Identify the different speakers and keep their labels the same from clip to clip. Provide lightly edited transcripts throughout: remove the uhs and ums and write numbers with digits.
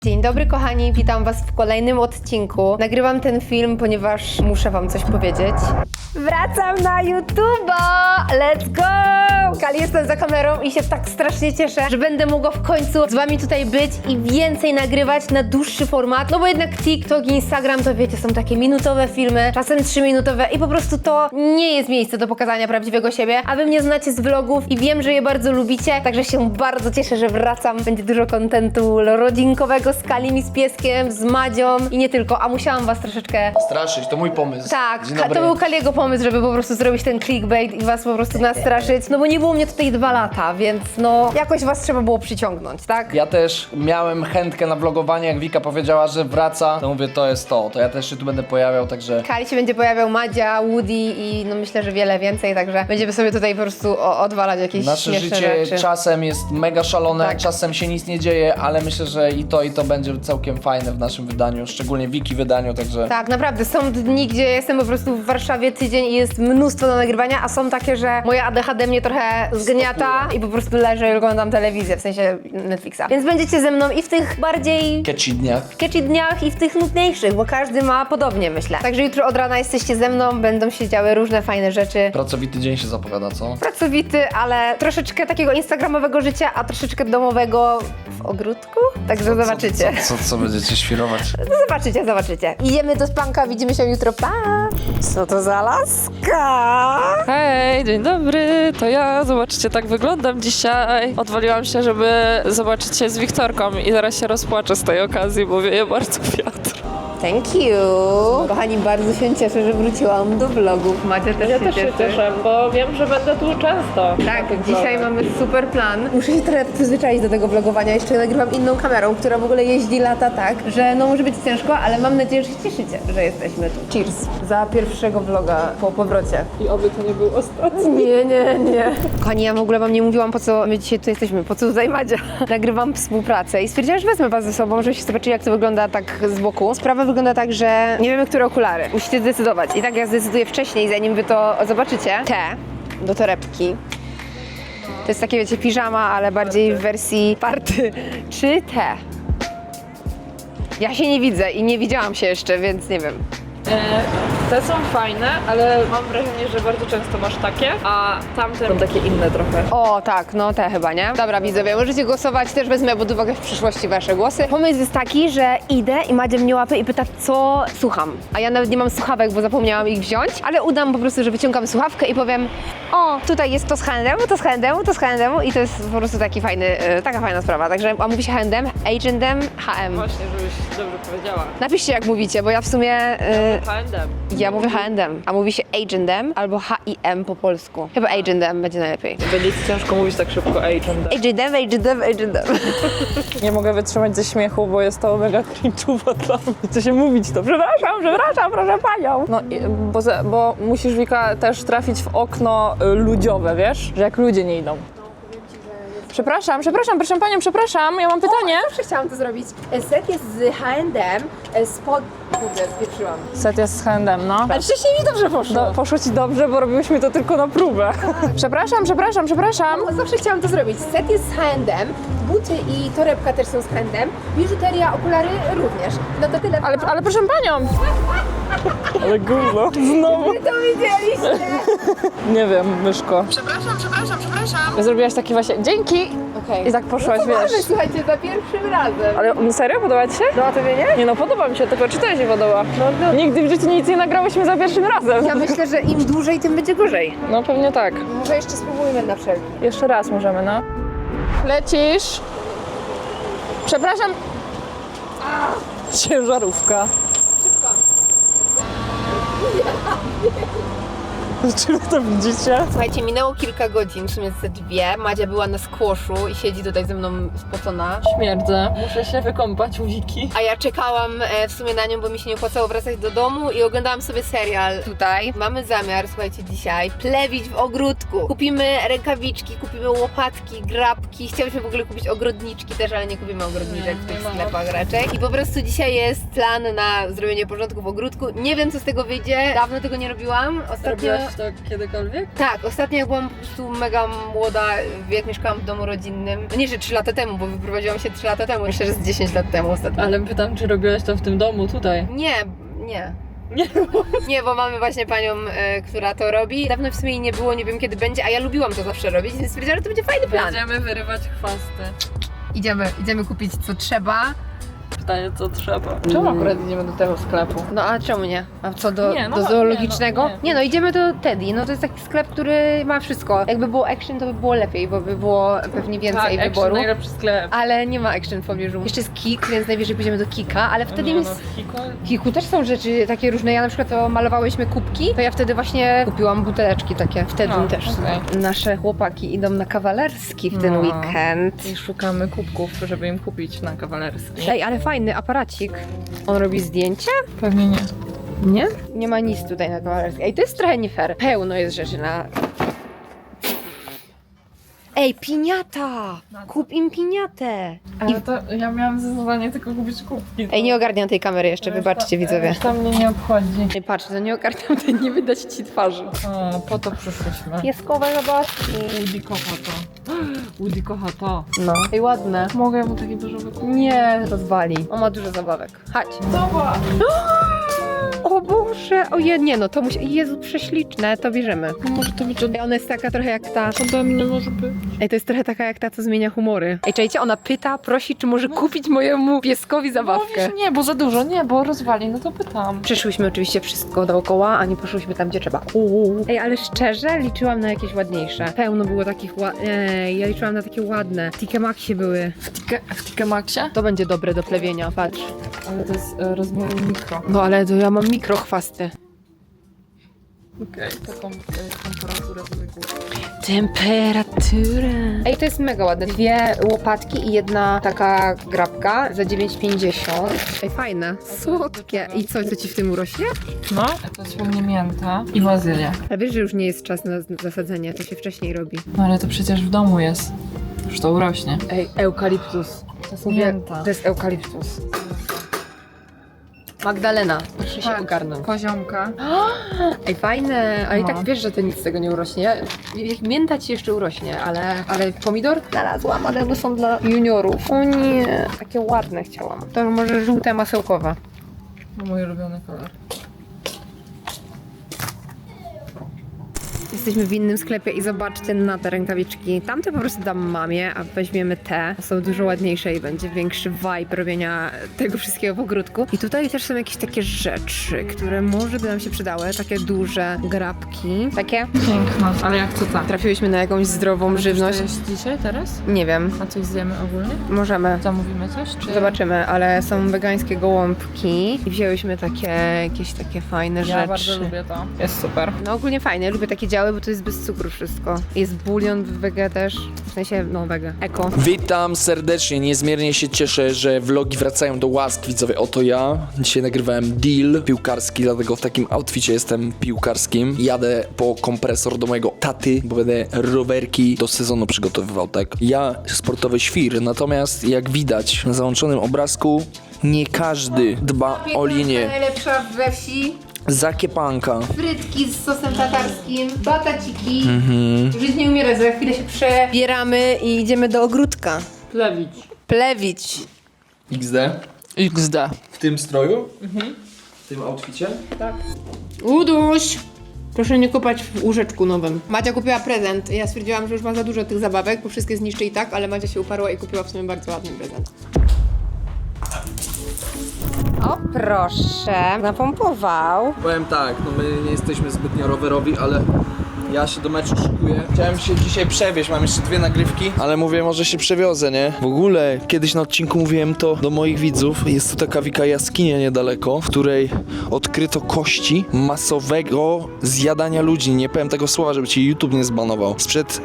Speaker 1: Dzień dobry kochani, witam was w kolejnym odcinku. Nagrywam ten film, ponieważ muszę wam coś powiedzieć. Wracam na YouTube'a! Let's go! Kali, jestem za kamerą i się tak strasznie cieszę, że będę mogła w końcu z wami tutaj być i więcej nagrywać na dłuższy format. No bo jednak TikTok i Instagram to wiecie, są takie minutowe filmy, czasem 3-minutowe i po prostu to nie jest miejsce do pokazania prawdziwego siebie, a wy mnie znacie z vlogów i wiem, że je bardzo lubicie, także się bardzo cieszę, że wracam. Będzie dużo kontentu rodzinkowego z Kalim i z pieskiem, z Madzią i nie tylko, a musiałam was troszeczkę...
Speaker 2: Straszyć, to mój pomysł.
Speaker 1: Tak,
Speaker 2: Dzień dobry.
Speaker 1: to był Kaliego pomysł, żeby po prostu zrobić ten clickbait i was po prostu nastraszyć, no bo nie było mnie tutaj 2 lata, więc no jakoś was trzeba było przyciągnąć, tak?
Speaker 2: Ja też miałem chętkę na vlogowanie, jak Wika powiedziała, że wraca, to mówię, to jest to ja też się tu będę pojawiał, także...
Speaker 1: Kali się będzie pojawiał, Madzia, Woody i no myślę, że wiele więcej, także będziemy sobie tutaj po prostu odwalać jakieś
Speaker 2: Nasze
Speaker 1: śmieszne
Speaker 2: życie
Speaker 1: rzeczy.
Speaker 2: czasem jest mega szalone,
Speaker 1: Tak.
Speaker 2: czasem się nic nie dzieje, ale myślę, że i to będzie całkiem fajne w naszym wydaniu, szczególnie Wiki wydaniu, także...
Speaker 1: Tak, naprawdę. Są dni, gdzie jestem po prostu w Warszawie tydzień i jest mnóstwo do nagrywania, a są takie, że moja ADHD mnie trochę zgniata i po prostu leżę i oglądam telewizję, w sensie Netflixa. Więc będziecie ze mną i w tych bardziej
Speaker 2: Catchy dniach.
Speaker 1: catchy dniach i w tych nudniejszych, bo każdy ma podobnie, myślę. Także jutro od rana jesteście ze mną, będą się działy różne fajne rzeczy.
Speaker 2: Pracowity dzień się zapowiada, co?
Speaker 1: Pracowity, ale troszeczkę takiego instagramowego życia, a troszeczkę domowego w ogródku. Także zobaczycie.
Speaker 2: Co będziecie świrować?
Speaker 1: No zobaczycie. Idziemy do spanka, widzimy się jutro, pa! Co to za laska?
Speaker 3: Hej, dzień dobry, to ja. Zobaczcie, tak wyglądam dzisiaj. Odwaliłam się, żeby zobaczyć się z Wiktorką i zaraz się rozpłaczę z tej okazji, bo wieje bardzo wiatr.
Speaker 1: Thank you! Kochani, bardzo się cieszę, że wróciłam do vlogów. Macie też
Speaker 3: Ja też się cieszę, bo wiem, że będę tu często.
Speaker 1: Tak, dzisiaj mamy super plan. Muszę się trochę przyzwyczaić do tego vlogowania. Jeszcze nagrywam inną kamerą, która w ogóle jeździ lata tak, że no może być ciężko, ale mam nadzieję, że się cieszycie, że jesteśmy tu. Cheers! Za pierwszego vloga po powrocie.
Speaker 3: I oby to nie był ostatni.
Speaker 1: Nie. Kochani, ja w ogóle wam nie mówiłam, po co my dzisiaj tu jesteśmy, po co tutaj Madzia. Nagrywam współpracę i stwierdziłam, że wezmę was ze sobą, żebyście zobaczyli, jak to wygląda tak z boku. Sprawa wygląda tak, że nie wiemy, które okulary. Musicie zdecydować. I tak ja zdecyduję wcześniej, zanim wy to zobaczycie. Te do torebki. To jest takie, wiecie, piżama, ale bardziej w wersji party. Czy te? Ja się nie widzę i nie widziałam się jeszcze, więc nie wiem.
Speaker 3: Te są fajne, ale mam wrażenie, że bardzo często masz takie, a tamte są takie inne trochę.
Speaker 1: O, tak, no te chyba, nie? Dobra, widzowie, możecie głosować, też wezmę pod uwagę w przyszłości wasze głosy. Pomysł jest taki, że idę i Madzia mnie łapie i pyta, co słucham. A ja nawet nie mam słuchawek, bo zapomniałam ich wziąć, ale udam po prostu, że wyciągam słuchawkę i powiem, o, tutaj jest to z H&M, to z H&M, to z H&M i to jest po prostu taki fajny, taka fajna sprawa. Także, a mówi się H&M, H&M, H&M.
Speaker 3: Właśnie, żebyś dobrze powiedziała.
Speaker 1: Napiszcie, jak mówicie, bo ja w sumie...
Speaker 3: H&M.
Speaker 1: ja mówię H&M, a mówi się H&M albo H&M po polsku. Chyba H&M będzie najlepiej.
Speaker 3: Będzie ci ciężko mówić tak szybko H&M.
Speaker 1: H&M.
Speaker 3: Nie mogę wytrzymać ze śmiechu, bo jest to mega cringe'owo dla mnie. Chce się mówić to. Przepraszam, proszę panią. No, bo musisz, Wika, też trafić w okno ludziowe, wiesz? Że jak ludzie nie idą. Przepraszam, proszę panią, przepraszam, ja mam pytanie.
Speaker 1: Zawsze chciałam to zrobić. Set jest z H&M, spod... Kurde, zwietrzyłam.
Speaker 3: Set jest z H&M, no.
Speaker 1: Ale wcześniej mi dobrze poszło.
Speaker 3: Poszło ci dobrze, bo robiłyśmy to tylko na próbę. Przepraszam.
Speaker 1: Zawsze chciałam to zrobić. Set jest z H&M, buty i torebka też są z H&M, biżuteria, okulary również. No to tyle.
Speaker 3: Ale proszę panią. Ale gówno. Znowu.
Speaker 1: Wy to widzieliście?
Speaker 3: Nie wiem, myszko. Przepraszam. Zrobiłaś taki właśnie, dzięki.
Speaker 1: Okej.
Speaker 3: I tak poszłaś,
Speaker 1: No to
Speaker 3: wiesz.
Speaker 1: mamy, słuchajcie, za pierwszym razem.
Speaker 3: Ale serio, podoba ci się?
Speaker 1: No a tobie nie?
Speaker 3: Nie no, podoba mi się, tylko czy to się podoba?
Speaker 1: No.
Speaker 3: Nigdy w życiu nic nie nagrałyśmy za pierwszym razem.
Speaker 1: Ja myślę, że im dłużej, tym będzie gorzej.
Speaker 3: No pewnie tak.
Speaker 1: Może jeszcze spróbujmy na wszelki.
Speaker 3: Jeszcze raz możemy, no. Lecisz. Przepraszam. Ciężarówka. Czy wy to widzicie?
Speaker 1: Słuchajcie, minęło kilka godzin, w sumie ze 2. Madzia była na squashu i siedzi tutaj ze mną spocona.
Speaker 3: Śmierdzę. Muszę się wykąpać u Wiki.
Speaker 1: A ja czekałam w sumie na nią, bo mi się nie opłacało wracać do domu i oglądałam sobie serial tutaj. Mamy zamiar, słuchajcie, dzisiaj plewić w ogródku. Kupimy rękawiczki, kupimy łopatki, grabki. Chciałyśmy w ogóle kupić ogrodniczki też, ale nie kupimy ogrodniczek w tych sklepach raczej. I po prostu dzisiaj jest plan na zrobienie porządku w ogródku. Nie wiem, co z tego wyjdzie. Dawno tego nie robiłam. Ostatnio...
Speaker 3: to kiedykolwiek?
Speaker 1: Tak, ostatnio jak byłam po prostu mega młoda, jak mieszkałam w domu rodzinnym. No nie, że 3 lata temu, bo wyprowadziłam się 3 lata temu. Myślę, że z 10 lat temu ostatnio.
Speaker 3: Ale pytam, czy robiłaś to w tym domu, tutaj?
Speaker 1: Nie. Nie, bo mamy właśnie panią, która to robi. Dawno w sumie jej nie było, nie wiem kiedy będzie, a ja lubiłam to zawsze robić, więc stwierdziłam, że to będzie fajny plan.
Speaker 3: Będziemy wyrywać chwasty.
Speaker 1: Idziemy kupić co trzeba.
Speaker 3: Pytanie, co trzeba. Czemu akurat idziemy do tego sklepu?
Speaker 1: No a czemu nie? A co do,
Speaker 3: Nie, no
Speaker 1: do
Speaker 3: nie,
Speaker 1: zoologicznego?
Speaker 3: nie.
Speaker 1: Nie no, idziemy do Teddy. No to jest taki sklep, który ma wszystko. Jakby było action, to by było lepiej, bo by było pewnie więcej
Speaker 3: tak,
Speaker 1: wyboru.
Speaker 3: najlepszy sklep.
Speaker 1: Ale nie ma action w pobliżu. Jeszcze jest Kik, więc najwyżej pójdziemy do Kika, ale wtedy jest... W Kiku też są rzeczy takie różne. Ja na przykład to malowałyśmy kubki, to ja wtedy właśnie kupiłam buteleczki takie. Wtedy
Speaker 3: No,
Speaker 1: też.
Speaker 3: okej.
Speaker 1: Nasze chłopaki idą na kawalerski w ten
Speaker 3: No.
Speaker 1: weekend.
Speaker 3: I szukamy kubków, żeby im kupić na kawalerski.
Speaker 1: Ej, ale fajny aparacik. On robi zdjęcia?
Speaker 3: Pewnie nie.
Speaker 1: Nie? Nie ma nic tutaj na kawalerskiej. Ej, to jest trochę nie fair. Pełno jest rzeczy na... Ej, piniata! Kup im piniatę!
Speaker 3: Ale to ja miałam za zadanie tylko kupić kubki.
Speaker 1: Ej, nie ogarniam tej kamery jeszcze, wybaczcie widzowie.
Speaker 3: To mnie nie obchodzi.
Speaker 1: Ej, patrz, to nie ogarniam, to nie wydać ci twarzy.
Speaker 3: O, po to przyszliśmy.
Speaker 1: Pieskowe zabawki.
Speaker 3: Woody kocha to. Woody kocha to.
Speaker 1: No. Ej, ładne.
Speaker 3: Mogę mu taki dużo wykupić?
Speaker 1: Nie, rozwali. On ma dużo zabawek. Chodź.
Speaker 3: Zobacz!
Speaker 1: O Boże, ojej, nie no, to musi... Jezu, prześliczne, to bierzemy.
Speaker 3: No może to być od...
Speaker 1: Ej, ona jest taka trochę jak ta...
Speaker 3: ode mnie może być.
Speaker 1: Ej, to jest trochę taka jak ta, co zmienia humory. Ej, czajcie, ona pyta, prosi, czy może kupić mojemu pieskowi zabawkę.
Speaker 3: Mówisz, nie, bo za dużo, nie, bo rozwali, no to pytam.
Speaker 1: Przeszłyśmy oczywiście wszystko dookoła, a nie poszłyśmy tam, gdzie trzeba. Ej, ale szczerze, liczyłam na jakieś ładniejsze. Pełno było takich Ej, ja liczyłam na takie ładne. Tike Maxie były.
Speaker 3: W Tike Maxie?
Speaker 1: To będzie dobre do plewienia, patrz.
Speaker 3: Ale to jest rozmiaru mikro.
Speaker 1: No ale to ja mam mikrochwasty.
Speaker 3: Okej, taką temperaturę sobie kupię.
Speaker 1: Temperatura. Ej, to jest mega ładne. 2 łopatki i jedna taka grabka za 9,50. Ej, fajne. Słodkie. I co ci w tym urośnie?
Speaker 3: No, to jest u mnie mięta i bazylia.
Speaker 1: Ale wiesz, że już nie jest czas na zasadzenie, to się wcześniej robi.
Speaker 3: No ale to przecież w domu jest. Już to urośnie.
Speaker 1: Ej, eukaliptus.
Speaker 3: To jest
Speaker 1: Mówię,
Speaker 3: mięta.
Speaker 1: to jest eukaliptus. Magdalena, proszę się ogarnąć.
Speaker 3: Poziomka.
Speaker 1: Ej, fajne, ale i
Speaker 3: No.
Speaker 1: tak wiesz, że to nic z tego nie urośnie. Jak mięta ci jeszcze urośnie, ale pomidor znalazłam, ale one są dla juniorów. O nie, takie ładne chciałam. To może żółte masełkowe.
Speaker 3: Mój ulubiony kolor.
Speaker 1: Jesteśmy w innym sklepie i zobaczcie na te rękawiczki. Tamte po prostu dam mamie, a weźmiemy te. Są dużo ładniejsze i będzie większy vibe robienia tego wszystkiego w ogródku. I tutaj też są jakieś takie rzeczy, które może by nam się przydały. Takie duże grabki. Takie?
Speaker 3: Piękna, ale jak co ta?
Speaker 1: Trafiłyśmy na jakąś zdrową żywność.
Speaker 3: To jest dzisiaj, teraz?
Speaker 1: Nie wiem,
Speaker 3: A coś zjemy ogólnie?
Speaker 1: możemy.
Speaker 3: Zamówimy coś? Czy...
Speaker 1: Zobaczymy, ale są wegańskie gołąbki i wzięłyśmy takie, jakieś takie fajne
Speaker 3: Ja
Speaker 1: rzeczy.
Speaker 3: bardzo lubię to. Jest super.
Speaker 1: No ogólnie fajne, lubię takie działy, bo to jest bez cukru wszystko. Jest bulion wege też, w sensie, no wege, eko.
Speaker 2: Witam serdecznie, niezmiernie się cieszę, że vlogi wracają do łask, widzowie, oto ja. Dzisiaj nagrywałem deal piłkarski, dlatego w takim outficie jestem piłkarskim. Jadę po kompresor do mojego taty, bo będę rowerki do sezonu przygotowywał, tak? Ja sportowy świr, natomiast jak widać na załączonym obrazku, nie każdy dba o linię.
Speaker 1: Najlepsza we wsi.
Speaker 2: Zakiepanka.
Speaker 1: Frytki z sosem tatarskim, bataciki. Żyć nie umiera, za chwilę się przebieramy i idziemy do ogródka. Plewić.
Speaker 2: XD.
Speaker 3: XD.
Speaker 2: W tym stroju? W tym outficie?
Speaker 1: Uduś! Proszę nie kopać w łóżeczku nowym. Macia kupiła prezent. Ja stwierdziłam, że już ma za dużo tych zabawek, bo wszystkie zniszczy i tak, ale Macia się uparła i kupiła w sumie bardzo ładny prezent. O proszę, napompował.
Speaker 2: Powiem tak, no my nie jesteśmy zbytnio rowerowi, ale ja się do meczu szykuję. Chciałem się dzisiaj przewieźć, mam jeszcze 2 nagrywki, ale mówię, może się przewiozę, nie? W ogóle, kiedyś na odcinku mówiłem to do moich widzów. Jest tu taka Wika jaskinia niedaleko, w której odkryto kości masowego zjadania ludzi. Nie powiem tego słowa, żeby ci YouTube nie zbanował. Sprzed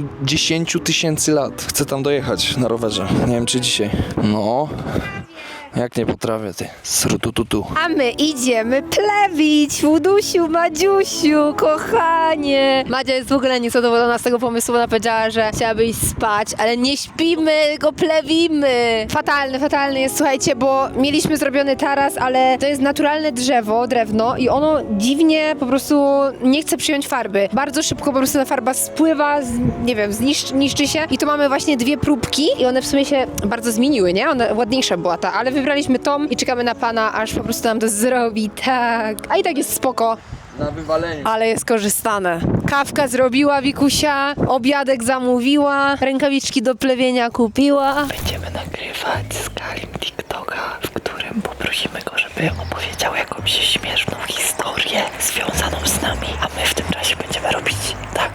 Speaker 2: kilkudziesięciu tysięcy lat. Chcę tam dojechać na rowerze. Nie wiem, czy dzisiaj. No... Jak nie potrafię, ty. Srutututu.
Speaker 1: A my idziemy plewić, Wudusiu, Madziusiu, kochanie. Madzia jest w ogóle niezadowolona z tego pomysłu, ona powiedziała, że chciałaby iść spać, ale nie śpimy, go plewimy. Fatalny jest, słuchajcie, bo mieliśmy zrobiony taras, ale to jest naturalne drewno i ono dziwnie po prostu nie chce przyjąć farby. Bardzo szybko po prostu ta farba spływa, nie wiem, niszczy się i tu mamy właśnie 2 próbki i one w sumie się bardzo zmieniły, nie? Ładniejsza była ta, ale wybraliśmy tą i czekamy na pana, aż po prostu nam to zrobi, tak. A i tak jest spoko.
Speaker 2: Na wywaleniu.
Speaker 1: Ale jest korzystane. Kawka zrobiła Wikusia, obiadek zamówiła, rękawiczki do plewienia kupiła.
Speaker 4: Będziemy nagrywać z Kalim TikToka, w którym poprosimy go, żeby opowiedział jakąś śmieszną historię związaną z nami, a my w tym czasie będziemy robić tak.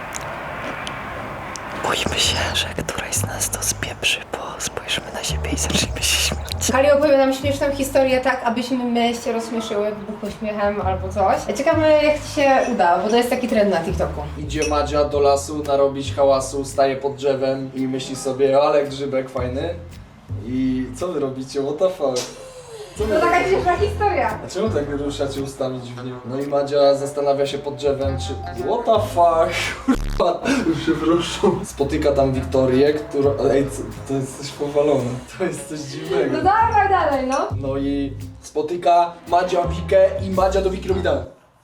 Speaker 4: Boimy się, że któraś z nas to spieprzy, bo spojrzymy na siebie i zaczniemy się śmiać.
Speaker 1: Kali opowie nam śmieszną historię tak, abyśmy my się rozśmieszyły, wybuchły śmiechem albo coś. Ciekawe jak ci się uda, bo to jest taki trend na TikToku.
Speaker 2: Idzie Madzia do lasu narobić hałasu, staje pod drzewem i myśli sobie, ale grzybek fajny. I co wy robicie? What the fuck? Co wy
Speaker 1: To taka
Speaker 2: robicie?
Speaker 1: śmieszna historia.
Speaker 2: A czemu tak ruszacie ustami dziwnie? No i Madzia zastanawia się pod drzewem, czy what the fuck? Kurwa, przepraszam. Spotyka tam Wiktorię, która... Ej, to jest coś powalone. To jest coś dziwnego.
Speaker 1: No dawaj dalej, no.
Speaker 2: No i spotyka Madzia Wikę i Madzia do Wiki robi tak.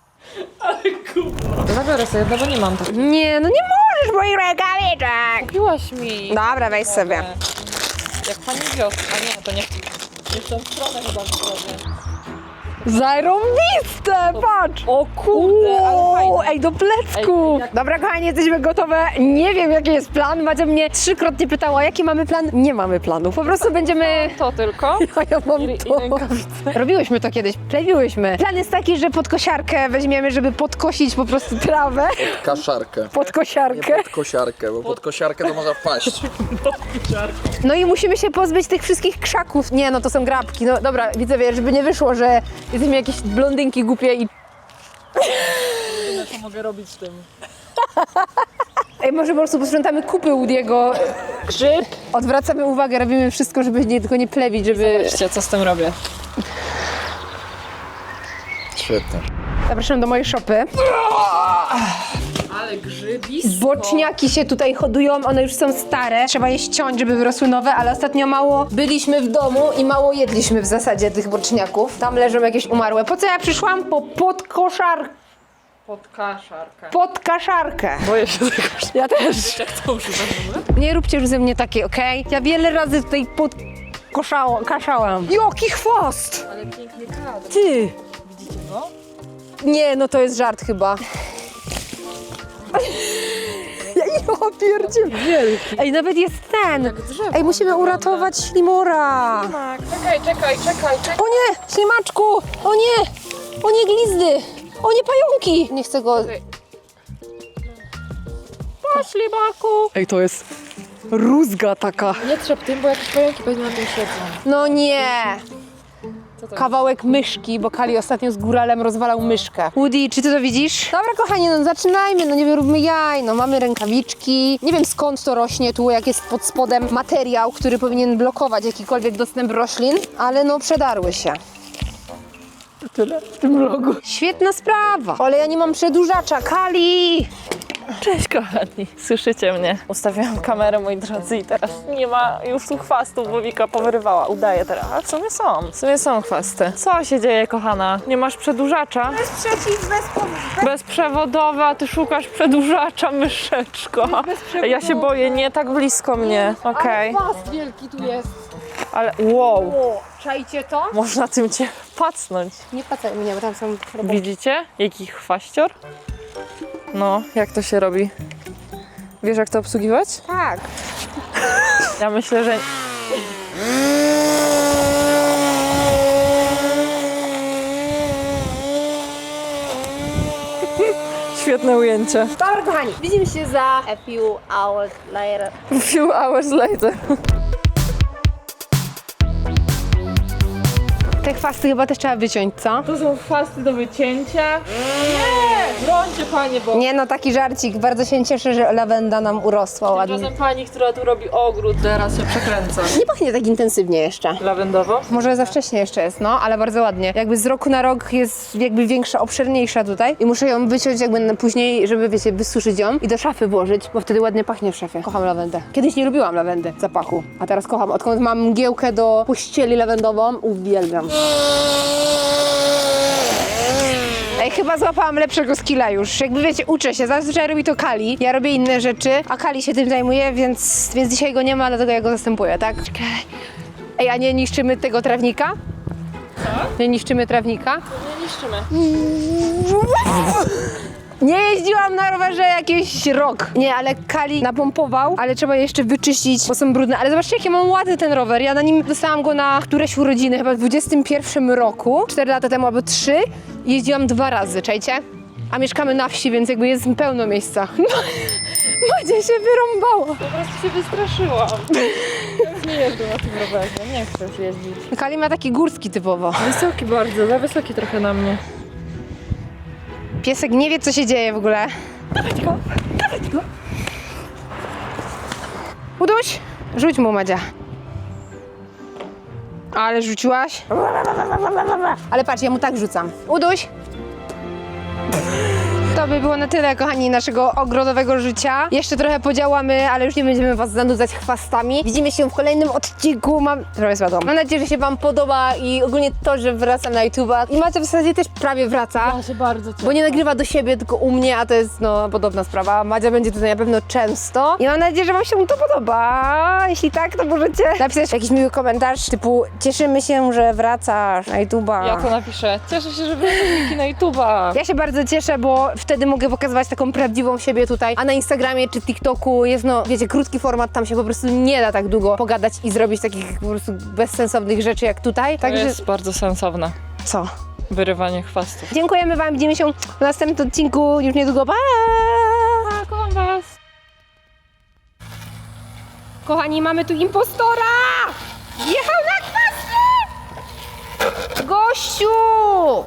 Speaker 3: Zabiorę sobie jedno, bo nie mam tak.
Speaker 1: Nie, no nie możesz moich rękawiczek.
Speaker 3: Kupiłaś mi.
Speaker 1: Dobra, weź sobie.
Speaker 3: Jak pani wiosna. A nie, to nie. Nie w tą stronę chyba zrobię.
Speaker 1: Zarąbiste, patrz!
Speaker 3: O kurde, ale fajnie.
Speaker 1: Ej, do plecku!
Speaker 3: Ej, jak-
Speaker 1: Dobra, kochani, jesteśmy gotowe. Nie wiem, jaki jest plan. Madzia mnie 3-krotnie pytała, jaki mamy plan. Nie mamy planu. Po prostu będziemy...
Speaker 3: To tylko.
Speaker 1: A ja mam
Speaker 3: I
Speaker 1: to.
Speaker 3: rękawice.
Speaker 1: Robiłyśmy to kiedyś, plewiłyśmy. Plan jest taki, że podkosiarkę weźmiemy, żeby podkosić po prostu trawę.
Speaker 2: Kaszarkę.
Speaker 1: Podkosiarkę.
Speaker 2: Nie pod kosiarkę, bo pod kosiarkę to można wpaść.
Speaker 1: No i musimy się pozbyć tych wszystkich krzaków. Nie, no to są grabki. No dobra, widzowie, żeby nie wyszło, że jesteśmy jakieś blondynki głupie i...
Speaker 3: Co mogę robić z tym?
Speaker 1: Ej, może po prostu posprzątamy kupy Woody'ego.
Speaker 3: Grzyb.
Speaker 1: Odwracamy uwagę, robimy wszystko, żeby tylko nie plewić, żeby...
Speaker 3: Zobaczcie, co z tym robię.
Speaker 2: Świetnie.
Speaker 1: Zapraszam do mojej szopy.
Speaker 3: Ale grzybisko.
Speaker 1: Boczniaki się tutaj hodują, one już są stare. Trzeba je ściąć, żeby wyrosły nowe, ale ostatnio mało byliśmy w domu i mało jedliśmy w zasadzie tych boczniaków. Tam leżą jakieś umarłe. Po co ja przyszłam? Po podkoszarkę.
Speaker 3: Pod kaszarkę. Boję się tego, że
Speaker 1: Ja też.
Speaker 3: jak to używam w ogóle?
Speaker 1: Nie róbcie już ze mnie takiej, okej? Ja wiele razy tutaj kaszałam. Jaki chwost!
Speaker 3: Ale piękny kadr.
Speaker 1: Ty!
Speaker 3: Widzicie go?
Speaker 1: Nie, no to jest żart chyba. Ja pierdziel.
Speaker 3: Wielki.
Speaker 1: Ej, nawet jest ten.
Speaker 3: Jak drzewo
Speaker 1: Ej, musimy
Speaker 3: wygląda.
Speaker 1: uratować ślimora.
Speaker 3: Tak, czekaj.
Speaker 1: O nie, ślimaczku! O nie! O nie, glizdy! O nie, pająki! Nie chcę go...
Speaker 3: Po ślimaku.
Speaker 1: Ej, to jest rózga taka.
Speaker 3: Nie trzeb tym, bo jakieś pająki pewnie na tym siedzą.
Speaker 1: No nie!
Speaker 3: Co to
Speaker 1: Kawałek myszki, bo Kali ostatnio z góralem rozwalał myszkę. Woody, czy ty to widzisz? Dobra, kochani, no zaczynajmy, no nie róbmy jaj, no mamy rękawiczki. Nie wiem skąd to rośnie tu, jak jest pod spodem materiał, który powinien blokować jakikolwiek dostęp roślin, ale no przedarły się. Tyle w tym vlogu. Świetna sprawa, ale ja nie mam przedłużacza, Kali!
Speaker 3: Cześć kochani, słyszycie mnie? Ustawiałam kamerę, moi drodzy, i teraz nie ma już tu chwastów, bo Wika powyrywała. Udaje teraz. A w sumie są chwasty. Co się dzieje, kochana? Nie masz przedłużacza? Bezprzewodowy, a ty szukasz przedłużacza, myszeczko. Ja się boję, nie tak blisko mnie. Okej.
Speaker 1: Chwast wielki tu jest.
Speaker 3: Ale wow,
Speaker 1: O, czajcie to?
Speaker 3: można tym cię pacnąć.
Speaker 1: Nie płacaj mnie, bo tam są roboty.
Speaker 3: Widzicie? Jaki chwaścior? No, jak to się robi? Wiesz, jak to obsługiwać?
Speaker 1: Tak.
Speaker 3: Ja myślę, że... Świetne ujęcie.
Speaker 1: Dobra, kochani, widzimy się za a few hours later.
Speaker 3: Few hours later.
Speaker 1: Te chwasty chyba też trzeba wyciąć, co?
Speaker 3: To są chwasty do wycięcia. Nie! Brońcie panie, bo
Speaker 1: Nie no, taki żarcik. Bardzo się cieszę, że lawenda nam urosła ładnie.
Speaker 3: tymczasem pani, która tu robi ogród, teraz się przekręca.
Speaker 1: Nie pachnie tak intensywnie jeszcze.
Speaker 3: Lawendowo?
Speaker 1: Może za wcześnie jeszcze jest, no, ale bardzo ładnie. Jakby z roku na rok jest jakby większa, obszerniejsza tutaj i muszę ją wyciąć jakby na później, żeby wiecie, wysuszyć ją i do szafy włożyć, bo wtedy ładnie pachnie w szafie. Kocham lawendę. Kiedyś nie lubiłam lawendy, zapachu, a teraz kocham. Odkąd mam mgiełkę do pościeli lawendową, uwielbiam. Ej, chyba złapałam lepszego skilla już. Jakby wiecie, uczę się. Zazwyczaj robi to Kali. Ja robię inne rzeczy, a Kali się tym zajmuje, więc dzisiaj go nie ma, dlatego ja go zastępuję, tak? Ej, a nie niszczymy tego trawnika? Nie niszczymy trawnika?
Speaker 3: Nie niszczymy.
Speaker 1: Nie jeździłam na rowerze jakiś rok. Nie, ale Kali napompował, ale trzeba je jeszcze wyczyścić, bo są brudne. Ale zobaczcie, jaki mam ładny ten rower. Ja na nim dostałam go na któreś urodziny, chyba w 21 roku. 4 lata temu albo 3. Jeździłam 2 razy, czajcie? A mieszkamy na wsi, więc jakby jest pełno miejsca. Macie się wyrąbała.
Speaker 3: Po prostu się wystraszyłam. Ja już nie jeżdżę na tym rowerze, nie chcę już jeździć.
Speaker 1: Kali ma taki górski typowo.
Speaker 3: Wysoki bardzo, za wysoki trochę na mnie.
Speaker 1: Piesek nie wie, co się dzieje w ogóle. Dawać go. Uduś, rzuć mu, Madzia. Ale rzuciłaś? Ale patrz, ja mu tak rzucam. Uduś. To by było na tyle, kochani, naszego ogrodowego życia. Jeszcze trochę podziałamy, ale już nie będziemy was zanudzać chwastami. Widzimy się w kolejnym odcinku. Trochę spadłam. Mam nadzieję, że się wam podoba i ogólnie to, że wracam na YouTube'a. I Macia w zasadzie też prawie wraca.
Speaker 3: Ja się bardzo cieszę.
Speaker 1: Bo nie nagrywa do siebie, tylko u mnie, a to jest no podobna sprawa. Madzia będzie tutaj na pewno często. I mam nadzieję, że wam się to podoba. Jeśli tak, to możecie napisać jakiś miły komentarz typu cieszymy się, że wracasz na YouTube'a.
Speaker 3: Ja to napiszę. Cieszę się, że wracam Wiki na YouTube'a.
Speaker 1: Ja się bardzo cieszę, bo wtedy mogę pokazywać taką prawdziwą siebie tutaj, a na Instagramie czy TikToku jest, no wiecie, krótki format, tam się po prostu nie da tak długo pogadać i zrobić takich po prostu bezsensownych rzeczy jak tutaj.
Speaker 3: To
Speaker 1: Także
Speaker 3: jest bardzo sensowne.
Speaker 1: co?
Speaker 3: Wyrywanie chwastów.
Speaker 1: Dziękujemy wam, widzimy się w następnym odcinku już niedługo. Pa!
Speaker 3: Kocham was.
Speaker 1: Kochani, mamy tu impostora! Jechał na kwasy! Gościu!